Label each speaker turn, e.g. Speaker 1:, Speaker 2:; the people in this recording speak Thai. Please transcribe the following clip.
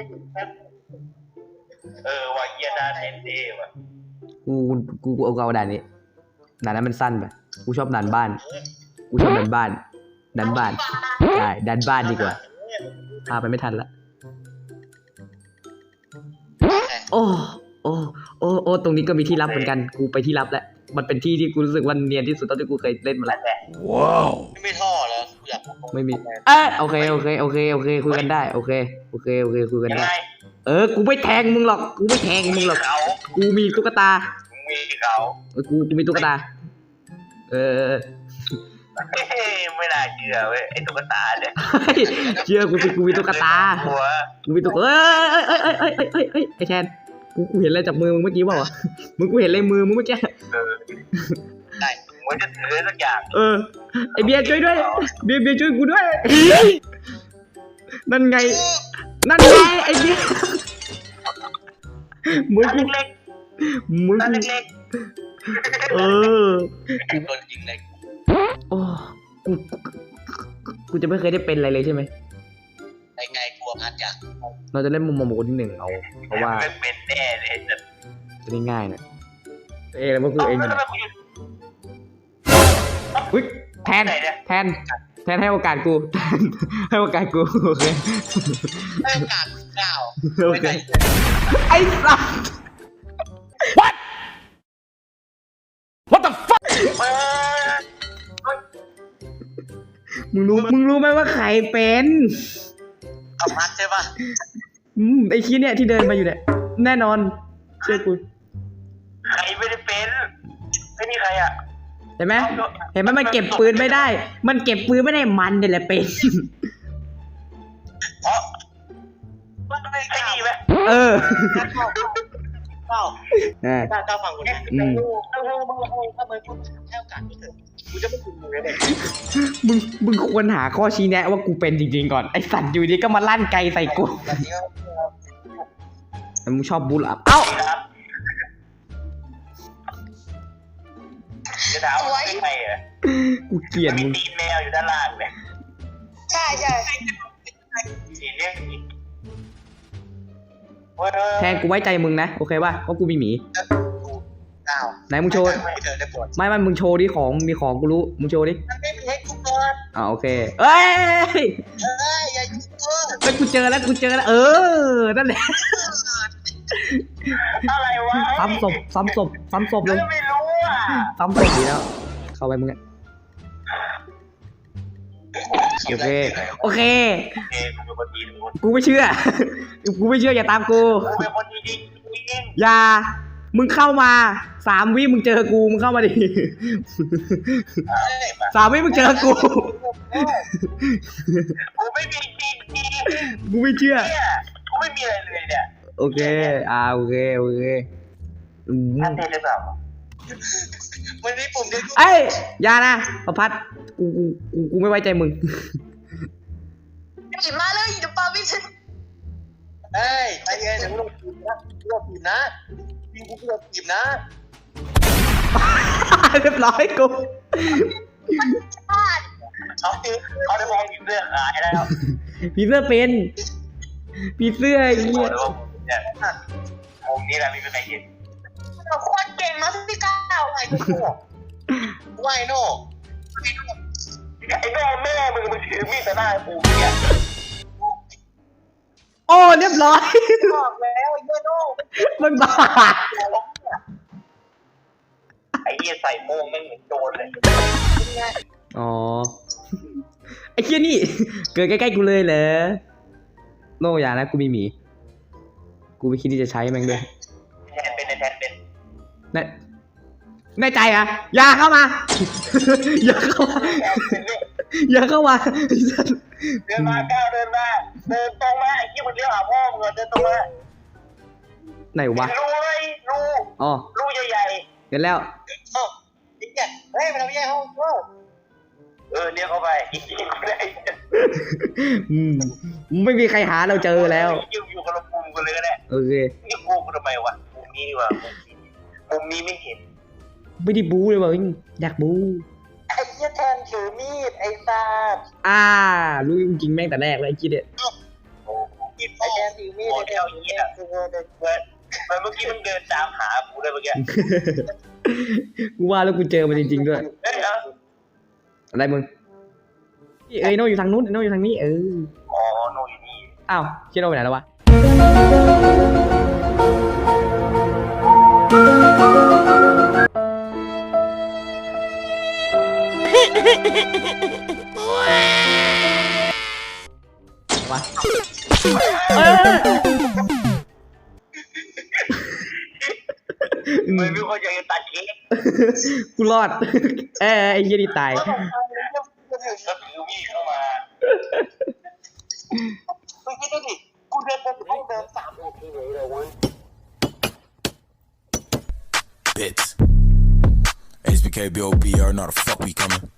Speaker 1: วาเยียดาเทนเดว่ะ
Speaker 2: กูเอาด่านนี้ด่านนั้นมันสั้นไปกูชอบด่านบ้านดันบ้านใช่ดันบ้านดีกว่าพาไปไม่ทันละโอ้ตรงนี้ก็มีที่ลับเหมือนกันกูไปที่ลับแล้วมันเป็นที่ที่กูรู้สึกว่าเนียนที่สุดเท่าที่กูเคยเล่นมาแล้ว
Speaker 1: ว้าวไม่ท่อเหรออยาก
Speaker 2: ไม่มีโอเคคุยกันได้โอเคคุยกันได้กูไม่แทงมึงหรอกกูมีตุ๊กตากูมีตุ๊กตา
Speaker 1: ไม่น่าเชื่อเว้ยไอ้ตุ๊กตาเนี่ย
Speaker 2: เชื่อกูสิกูมีตุ๊กตากูมีตุ๊กไอ้แทนกูเห็นอะไรจากมือมึงเมื่อกี้เปล่าวะกูเห็นอะไรมือมึงเมื่อกี้
Speaker 1: ได้มึงจะถือสักอย่าง
Speaker 2: ไอเบียร์ช่วยด้วยเบียร์ช่วยกูด้วยนั่นไงไอเบียร์มือ
Speaker 1: เล็กโดนยิงเล็ก
Speaker 2: กูจะไม่เคยได้เป็นอะไรเลยใช่ไหม
Speaker 1: ไงกลัวพัดอยาก
Speaker 2: เราจะเล่นมุมมองคนที่หนึ่งเอาเพราะว่า
Speaker 1: เป็นแน่เลย
Speaker 2: จะได้ง่ายนะแล้วมันคือเองอุ้ยแทนให้โอกาสกูให้โอกาสกูโอเค
Speaker 1: ให้โอกาส9
Speaker 2: โอเคไอ้สัส What the fuck มึงรู้ไหมว่าใครเป็น
Speaker 1: พัดใช่ปะ
Speaker 2: ไอ้ชี้เนี่ยที่เดินมาอยู่เนี่ยแน่นอนเชื่อกู
Speaker 1: ใครไม่ได้เป็นไม่มีใครอ่ะ
Speaker 2: เห็นไหมมันเก็บปืนไม่ได้มันเนี่ยแหละเป็น
Speaker 1: มันไม่ดีไหมเจ้าฟังกูนะมึงให้โอกาสกูเถอะกูจะไม่กินมึงเลย
Speaker 2: มึงควรหาข้อชี้แนะว่ากูเป็นจริงๆก่อนไอสัตว์อยู่ดีก็มาลั่นไกใส่กูมึงชอบบูลล์เอ้า
Speaker 1: จะด่าว่าไม่ใช่เหรอ
Speaker 2: กูเกลียดมึง
Speaker 1: ตีแมวอยู่ด้านล่างเลย
Speaker 3: ใช่
Speaker 1: สีเรียก
Speaker 2: แทนกูไว้ใจมึงนะโอเคป่ะเพราะกูมีหมีไหนมึงโชว์ไม่มึงโชว์ดิของมีของกูรู้มึงโชว์ดิ
Speaker 1: มันไม่มีให้กูเปิด
Speaker 2: โอเคเอ้ย
Speaker 1: อย่ายุ่ง
Speaker 2: กูเจอแล้วนั่นแหละ
Speaker 1: อะไรวะ
Speaker 2: ซ้ำศพเลย
Speaker 1: ไม่รู้อ่ะ
Speaker 2: ซ้ำศพดีแล้วเข้าไปมึงโอเคกูไม่เชื่ออย่าตามกูอย่ามึงเข้ามา3 วิมึงเจอกูมึงเข้ามาดิ3 วิมึงเจอกู
Speaker 1: ไม่มีจริง
Speaker 2: กูไม่เชื่อ
Speaker 1: กูไม่มีอะไรเลยเนี่ย
Speaker 2: โอเคโอเค
Speaker 1: ท่านเทเลยเปล่าวันนี้ผม
Speaker 2: อย่านะประพัดกูไม่ไว้ใจมึง
Speaker 3: หยิบมาเลยเดี๋ยวปาวิ่ง
Speaker 1: ใจเย็นเดี๋ยวกูต้องปีนะยิงกูต้องปีนะ
Speaker 2: เรียบร้อยกู
Speaker 1: เขาได้มองผีเสื้อขายแล้ว
Speaker 2: ผีเสื้อเป็นผีเสื้อไอ้เหี้ย
Speaker 1: มุมนี้แหละไม่เป็นไรเห็น
Speaker 3: เราโคตรเก่งนะพี่ก้าวไอ้
Speaker 1: โน่ไอ้แม่มึงถือมีดแต่หน้าปูเนี่ย
Speaker 2: เรียบร้อย
Speaker 1: บอกแล้วไอ้โน่
Speaker 2: มันบ้า
Speaker 1: ไอ้เหี้ยใส่โม่งไม่เหมือนโจรเลย
Speaker 2: ไอ้เหี้ยนี่เกิดใกล้ๆกูเลยเหรอโน่อย่านะกูมีหมีกูไม่คิดที่จะใช้แม่งด้วย
Speaker 1: แทนเป็น
Speaker 2: แน่ใจอะอย่าเข้ามาอย่าเข้ามา
Speaker 1: เดินมาก้าวเดินตรงมาไอ้ที่มันเลี้ยวหาพ่อมึงเดินตรงมา
Speaker 2: ไหนวะ
Speaker 1: รูใหญ่
Speaker 2: เห็นแล้ว
Speaker 1: มันเอาแย่ห้องเรียกเข้าไป
Speaker 2: ไม่มีใครหาเราเจอแล้ว
Speaker 1: อยู่กับเราปุ่มกันเลยก็ได้
Speaker 2: โอเค
Speaker 1: นี่กูทำไมวะปุ่มนี้ดีกว่าปุ่มนี้ไม่เห็น
Speaker 2: ไม่ได้บู๊เลยว่ะอยากบู๊
Speaker 1: ไอ้เหี้ยแทนถือมีดไอ้ซา
Speaker 2: รู้จริงแม่งแต่แรกเลยไอ้กิ๊ดเนี่ย
Speaker 1: มีมีดพ่อหมดแล้วเหี้ยมันเมื่อกี้มันเดินตามหากูเลยเมื่อกี้
Speaker 2: กูว่าแล้วกูเจอมันจริงๆด้วย
Speaker 1: เฮ้ยนะ
Speaker 2: อะไรมึงเอ้ยโน่อยู่ทางนู้นโน่อยู่ทางนี้
Speaker 1: อ๋อโนอยู่นี่
Speaker 2: อ้าวเชี่ยโน่ไปไหนแล้ววะวะ
Speaker 1: ไม่มีคนอยากจะตัดเค้ก
Speaker 2: กูรอดไอ้เหี้ยนี่ตาย
Speaker 1: ก็ถือมีดเข้ามาเมื่อกี้ดูดิกูเดินไปห้องเดิน3 นาทีเลยเว้ย
Speaker 4: Bits. HBK, BOB, you already know the fuck we coming.